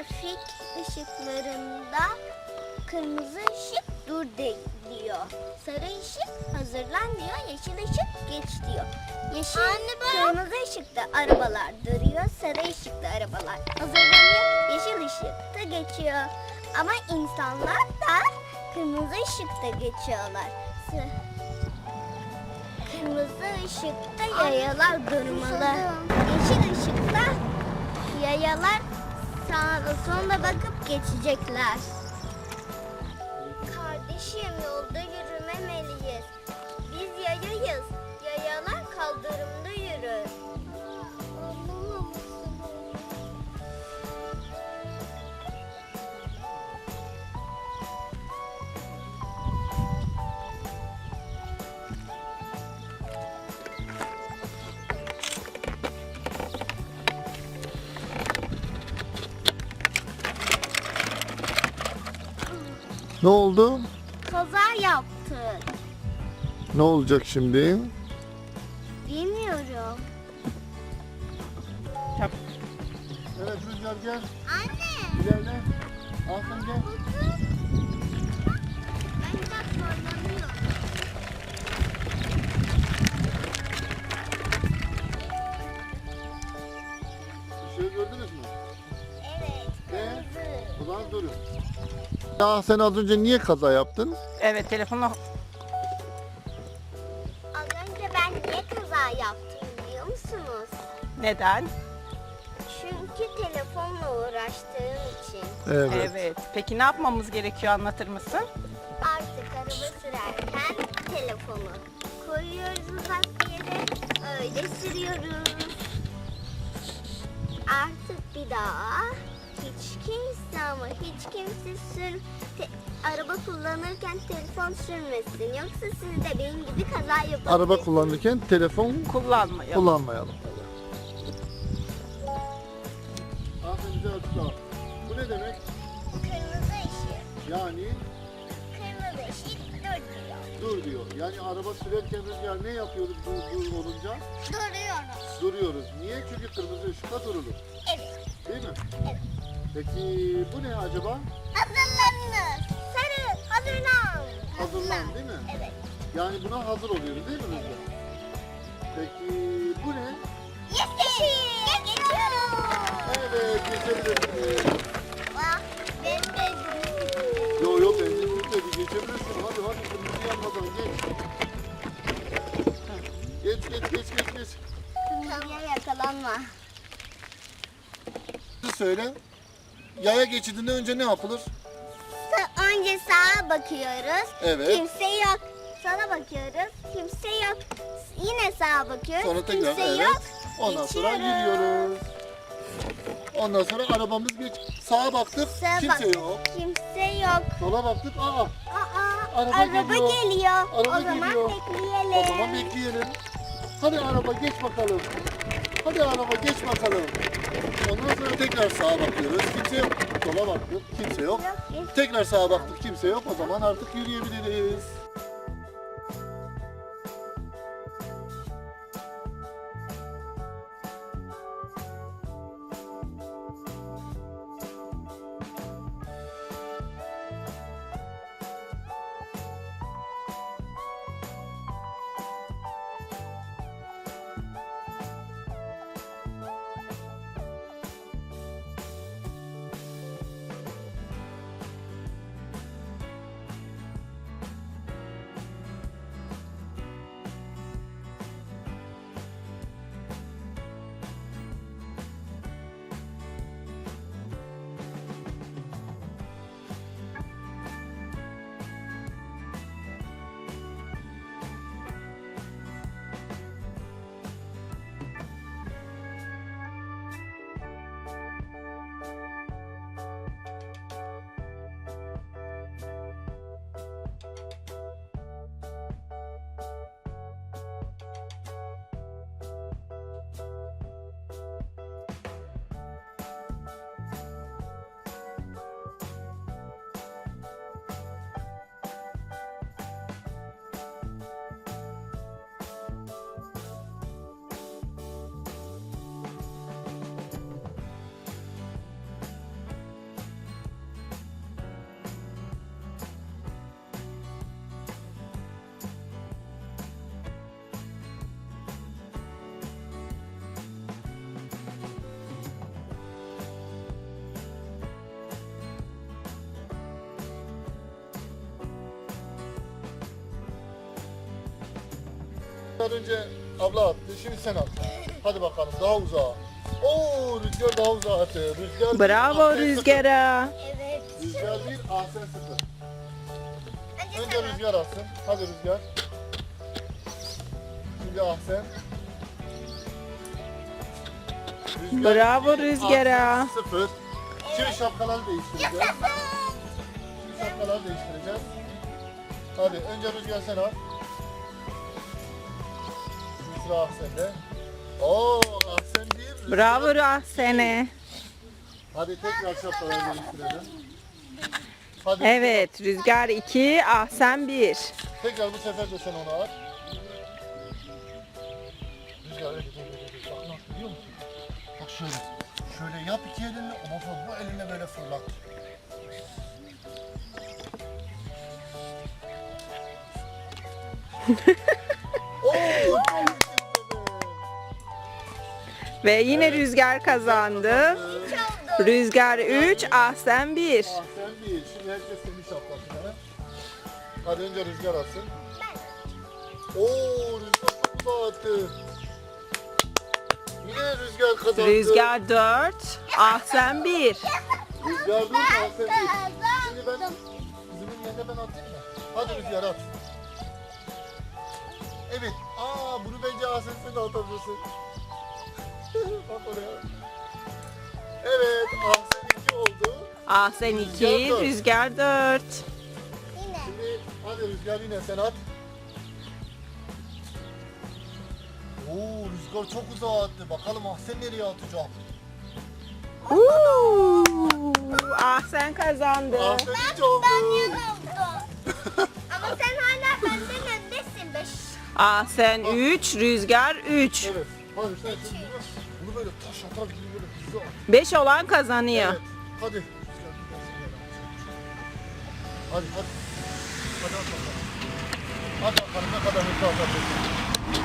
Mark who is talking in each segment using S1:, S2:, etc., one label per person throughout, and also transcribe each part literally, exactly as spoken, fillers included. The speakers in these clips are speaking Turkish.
S1: trafik ışıklarında kırmızı ışık dur de- diyor. Sarı ışık hazırlan diyor. Yeşil ışık geç diyor. Yeşil, kırmızı ışıkta arabalar duruyor. Sarı ışıkta arabalar hazırlanıyor. Yeşil ışıkta geçiyor. Ama insanlar da kırmızı ışıkta geçiyorlar. S- Kırmızı ışıkta yayalar durmalı. Yeşil ışıkta yayalar sağda solda bakıp geçecekler. Kardeşim, yolda yürümemeliyiz. Biz yayayız. Yayalar kaldırımda yürür.
S2: Ne oldu?
S1: Kaza yaptık.
S2: Ne olacak şimdi?
S1: Bilmiyorum.
S2: Evet Rüzgar gel.
S1: Anne.
S2: İlerle. Aslan gel.
S1: Ben biraz zorlanıyorum.
S2: Işığı gördünüz mü?
S1: Evet.
S2: Ne?
S1: Kırmızı.
S2: O zaman durun. Ya sen az önce niye kaza yaptın?
S3: Evet, telefonla
S1: Az önce ben niye kaza yaptım biliyor musunuz?
S3: neden?
S1: Çünkü telefonla uğraştığım için.
S2: Evet.
S3: Evet. Peki ne yapmamız gerekiyor, anlatır mısın?
S1: Artık araba sürerken telefonu koyuyoruz uzak bir yere, öyle sürüyoruz. Artık bir daha hiç kimse ama hiç kimse sür te- araba kullanırken telefon sürmesin. Yoksa siz de benim gibi kaza yapabilirsiniz.
S2: Araba kullanırken telefon
S3: Kullanmayalım.
S2: kullanmayalım. Aferin bize açıkla. Bu ne demek?
S1: Kırmızı ışık.
S2: Yani
S1: Kırmızı ışık dur diyor.
S2: dur diyor. Yani araba sürerken Rüzgar ne yapıyoruz dur, dur olunca?
S1: Duruyoruz.
S2: Duruyoruz. Niye? Çünkü kırmızı ışıkta durulur.
S1: Evet.
S2: Değil mi?
S1: Evet.
S2: Peki bu ne acaba?
S1: Hazırlanınız. Sarı hazırlan.
S2: Hazırlan değil mi?
S1: Evet.
S2: Yani buna hazır oluyoruz değil mi Rüzgar? Peki bu ne?
S1: Yeşil. Geçiyoruz.
S2: Evet geçebilirsiniz.
S1: Bak ben de
S2: Yo yo benzin bitmedi geçebilirsin. Hadi hadi kırmızı yanmadan geç. Geç geç geç geç geç.
S1: kırmızıya yakalanma.
S2: Söyle. Yaya geçidinde önce ne yapılır?
S1: Sa- Önce sağa bakıyoruz.
S2: Evet.
S1: Kimse yok. Sola bakıyoruz. Kimse yok. Yine sağa bakıyoruz.
S2: Sonra tekrar
S1: Kimse
S2: evet.
S1: yok.
S2: Ondan sonra
S1: Geçiyoruz.
S2: gidiyoruz. Ondan sonra arabamız geç. Sağa baktık
S1: Sağa
S2: kimse
S1: baktık,
S2: yok.
S1: Kimse yok.
S2: Sola baktık aa.
S1: Aa,
S2: Araba
S1: araba,
S2: geliyor.
S1: geliyor.
S2: Araba
S1: o zaman
S2: geliyor.
S1: bekleyelim.
S2: O zaman bekleyelim. Hadi araba geç bakalım. Hadi araba geç bakalım. Ondan sonra tekrar sağa bakıyoruz. Kimse yok. Sola baktık. Kimse yok.
S1: Yok, geç.
S2: Tekrar sağa baktık. Kimse yok. O zaman artık yürüyebiliriz. Rüzgar önce abla attı. Şimdi sen at. Hadi bakalım daha uzağa. Oo Rüzgar daha uzağa attı. Rüzgar bir,
S3: Bravo
S2: Ahsen
S3: Rüzgar'a.
S1: Evet.
S2: sıfır. Rüzgar bir, Ahsen sıfır.
S1: Önce
S2: Önce
S1: sen at.
S2: Rüzgar atsın. Hadi Rüzgar. Şimdi Ahsen. Rüzgar
S3: Bravo
S2: bir,
S3: Rüzgar'a.
S2: Ahsen sıfır. Şimdi şapkaları değiştireceğiz. Şimdi şapkaları değiştireceğiz. Hadi önce Rüzgar sen al. Şimdi sıra Ahsen'de. Oo Ahsen bir. Rüzgar
S3: Bravo Ahsen'e.
S2: Hadi tekrar şapkaları değiştirelim. Hadi
S3: Evet Rüzgar iki, Ahsen bir.
S2: tekrar bu sefer de sen onu at. Rüzgar öyle değil, öyle değil. Bak nasıl biliyor musun? Bak şöyle. Şöyle yap iki elinle, ondan sonra bu elinle böyle fırlat. Oo, çok güzel.
S3: Ve yine Rüzgar kazandı.
S1: Üç oldu.
S3: Rüzgar üç, Ahsen bir.
S2: Ah sen değil. Şimdi herkes kendi şapkasına. Hadi önce Rüzgar atsın. Oo Rüzgar çok uzağa attı. Yine Rüzgar kazandı.
S3: Rüzgar dört, Ahsen bir.
S2: Rüzgar dur ah sen değil. Şimdi ben kızımın yerine ben atayım mı? Hadi Rüzgar at. Evet. Aa bunu bence Ahsen sen de atabilirsin. Bak oraya. Evet Ahsen iki oldu.
S3: Ahsen iki, Rüzgar dört.
S1: Yine.
S2: Şimdi hadi Rüzgar yine sen at. Oo Rüzgar çok uzağa attı. Bakalım Ahsen nereye atacak?
S3: Uuu, Ahsen kazandı.
S2: Ahsen hiç oldu.
S1: Ben yan oldu. Ama sen hala benden öndesin. Beş.
S3: Ahsen üç, Rüzgar üç.
S2: Evet. Hadi sen şimdi bunu, bunu böyle taş atar gibi böyle hızlı at.
S3: beş olan kazanıyor.
S2: Evet. Hadi. Rüzgar gidersin böyle. Hadi hadi. Hadi at bakalım. Hadi bakalım ne kadar hızlı atabilirsin.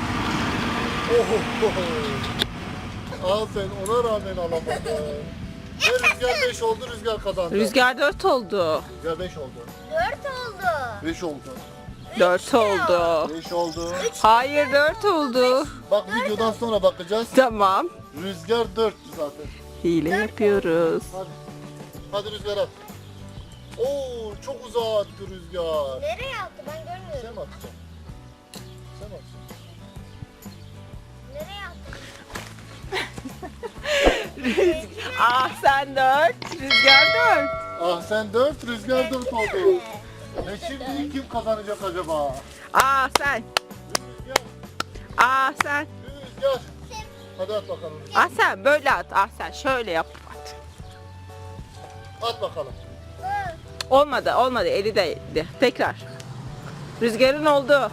S2: Oho. Al sen ona rağmen alamadın. Ve Rüzgar beş oldu, Rüzgar kazandı.
S3: Rüzgar dört oldu.
S2: Rüzgar beş oldu.
S1: Dört oldu.
S2: beş oldu.
S3: dört oldu.
S2: beş oldu.
S3: Hayır dört oldu.
S2: Bak videodan sonra bakacağız.
S3: Tamam.
S2: Rüzgar dörttü zaten.
S3: Hile yapıyoruz.
S2: Hadi. Hadi Rüzgar at. Oo çok uzağa attı Rüzgar.
S1: Nereye attı ben
S2: Sen
S1: görmüyorum.
S2: mi atacaksın? Sen mi atacaksın?
S1: Nereye attı?
S3: Ahsen dört, Rüzgar dört.
S2: Ah sen dört, Rüzgar dört oldu. Ve şimdi kim kazanacak acaba?
S3: Ahsen,
S2: Rüzgar,
S3: Ahsen.
S2: Rüzgar. Hadi at bakalım.
S3: Ahsen böyle at. Ahsen şöyle yap. At.
S2: At bakalım.
S3: Olmadı, olmadı. Eli değdi. Tekrar. Rüzgarın oldu.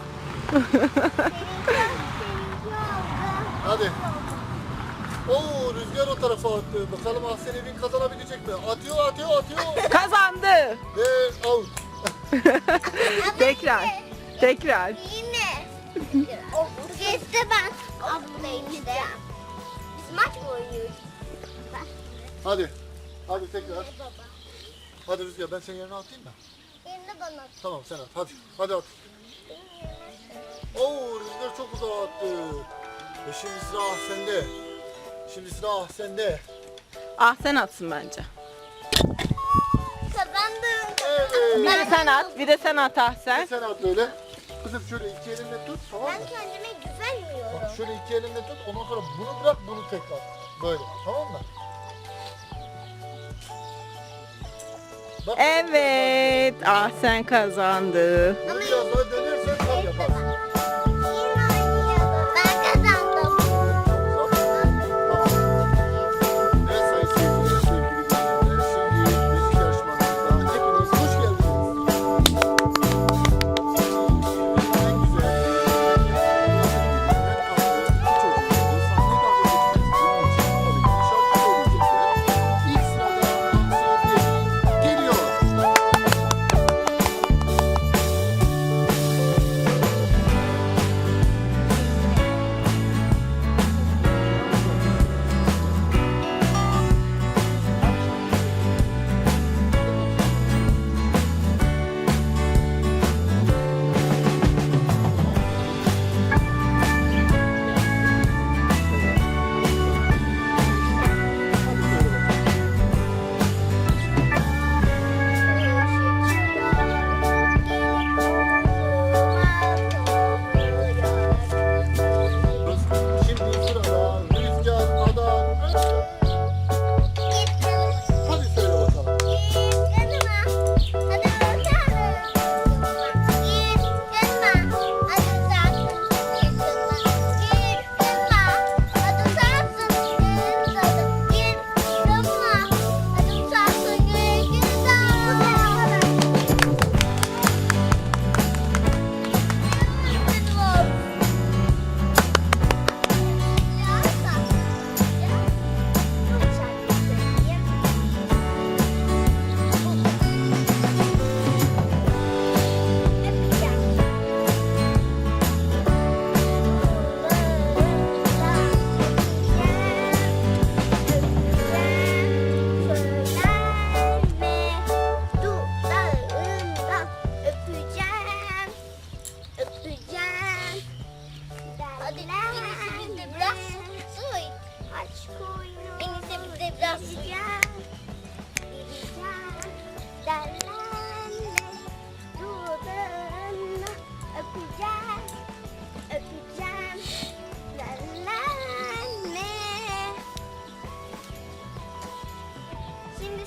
S2: Hadi. Oo Rüzgar o tarafa attı. Bakalım Ahsen Evin kazanabilecek mi? Atıyor, atıyor, atıyor.
S3: Kazandı.
S2: Ve out.
S3: Tekrar. Tekrar.
S1: Yine. O bu kez de ben ablayım işte. Biz maç mı oynuyoruz?
S2: Hadi. Hadi tekrar.
S1: Baba.
S2: Hadi Rüzgar ben senin yerine atayım mı?
S1: Yerine bana at.
S2: Tamam sen at. Hadi. Hadi at. Oo Rüzgar çok uzağa attı. Ve şimdi sıra Ahsen'de. Şimdi sıra Ahsen'de.
S3: Ahsen atsın bence.
S1: Kazandım.
S2: Evet.
S3: Bir de sen at. Bir de sen at Ahsen.
S2: Sen at böyle. Kızım şöyle iki elinle tut tamam mı?
S1: Ben kendime güvenmiyorum.
S2: Bak şöyle iki elinle tut ondan sonra bunu bırak bunu tekrar. Böyle tamam mı? Bak,
S3: Evet. Ahsen kazandı.
S2: Bunu biraz daha dönersen tam yaparsın.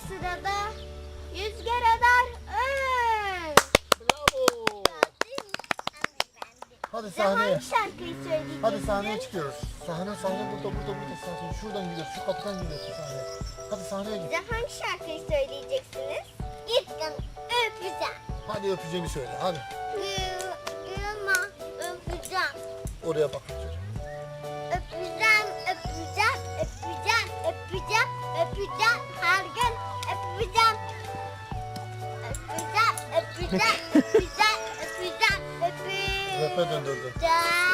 S1: sırada Rüzgar Adar Öz.
S2: Bravo. Hadi
S1: Size
S2: sahneye.
S1: hangi şarkıyı söyleyeceksiniz?
S2: Hadi sahneye çıkıyoruz. Sahne sahne burada burada burada sahne. Şuradan gidiyoruz. Şu kapıdan gidiyorsun sahneye. Hadi sahneye git.
S1: Size hangi şarkıyı söyleyeceksiniz? Gittim öpeceğim.
S2: Hadi öpeceğini söyle. Hadi.
S1: Yılma öpeceğim.
S2: Oraya bak çocuğum.
S1: Öpeceğim, öpeceğim, öpeceğim, öpeceğim, öpeceğim. Her gün öpeceğim. Öpeceğim, öpeceğim, öpeceğim, öpeceğim, öpeceğim.
S2: Rap'e döndürdü.
S1: Öpeceğim.